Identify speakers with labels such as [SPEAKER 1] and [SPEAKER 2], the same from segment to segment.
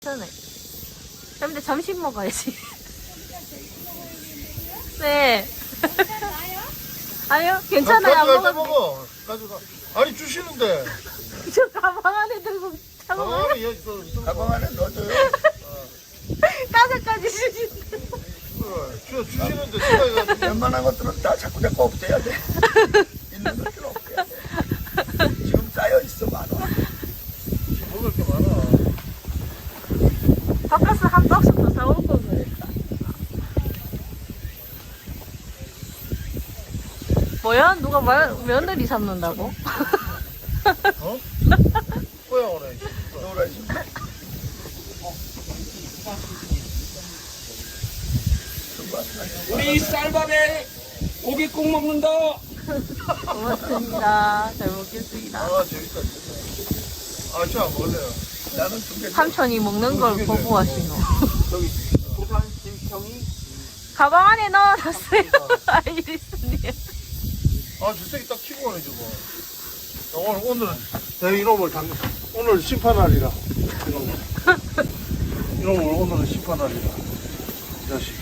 [SPEAKER 1] 괜찮아요. 근데 점심 먹어야지. 네. 아니요, 괜찮아요. 안
[SPEAKER 2] 가져갈 때
[SPEAKER 1] 먹어도
[SPEAKER 2] 먹어. 가져가. 아니 주시는데.
[SPEAKER 1] 저 가방 안에 들고 차고
[SPEAKER 2] 가방에 여기 또
[SPEAKER 3] 가방 안에 넣어줘요.
[SPEAKER 1] 까세까지 주시는데.
[SPEAKER 2] 주시는데 생각해가지고.
[SPEAKER 3] 웬만한 것들은 다 자꾸 없애야 돼. 있는 것들은 없애야 돼. 지금 쌓여있어, 많아.
[SPEAKER 2] 먹을 게 많아.
[SPEAKER 1] 바카스 한 박스 더 사올 걸 그랬다. 뭐야? 누가 며느리 삼는다고?
[SPEAKER 2] 어? 뭐야 오늘?
[SPEAKER 3] 노라지.
[SPEAKER 4] 우리 쌀밥에 고기 국 먹는다.
[SPEAKER 1] 고맙습니다. 잘 먹겠습니다.
[SPEAKER 2] 아 재밌다 진짜. 아저안 먹을래요.
[SPEAKER 3] 나는 두 개.
[SPEAKER 1] 삼촌이 먹는 걸 보고 왔시노.
[SPEAKER 4] 저기 부산 김평이
[SPEAKER 1] 가방 안에 넣어놨어요. 아이리스님.
[SPEAKER 2] 아 주택이 딱 키고 가네 저거. 오늘 내 이놈을 오늘 심판날이라. 이놈을 오늘은 심판날이라. 이 자식.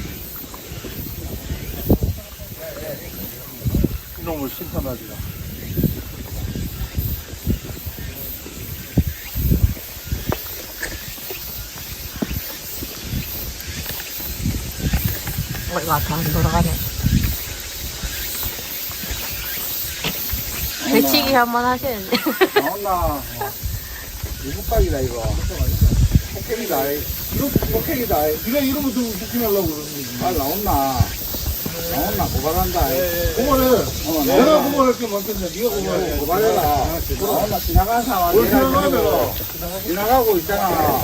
[SPEAKER 2] 이놈을 심판날이라.
[SPEAKER 1] 이거 앞에 안 돌아가네. 배치기 한번 하셔야지.
[SPEAKER 4] 나온나. 이국박이다 이거. 폭행이다. 이거 폭행이다.
[SPEAKER 2] 네가 이러면 좀 웃기려고 그러는 거지.
[SPEAKER 4] 아 나온나. 나온나 고발한다.
[SPEAKER 2] 고발해. 내가 고발할 게 많겠네. 네가 고발해.
[SPEAKER 4] 고발해라. 나온나 지나간 사람.
[SPEAKER 2] 뭘 생각하면.
[SPEAKER 4] 지나가고 있잖아.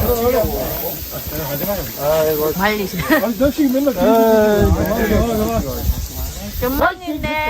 [SPEAKER 1] 말리시.
[SPEAKER 2] 아니, 자식이 맨날.
[SPEAKER 1] 굿모닝인데.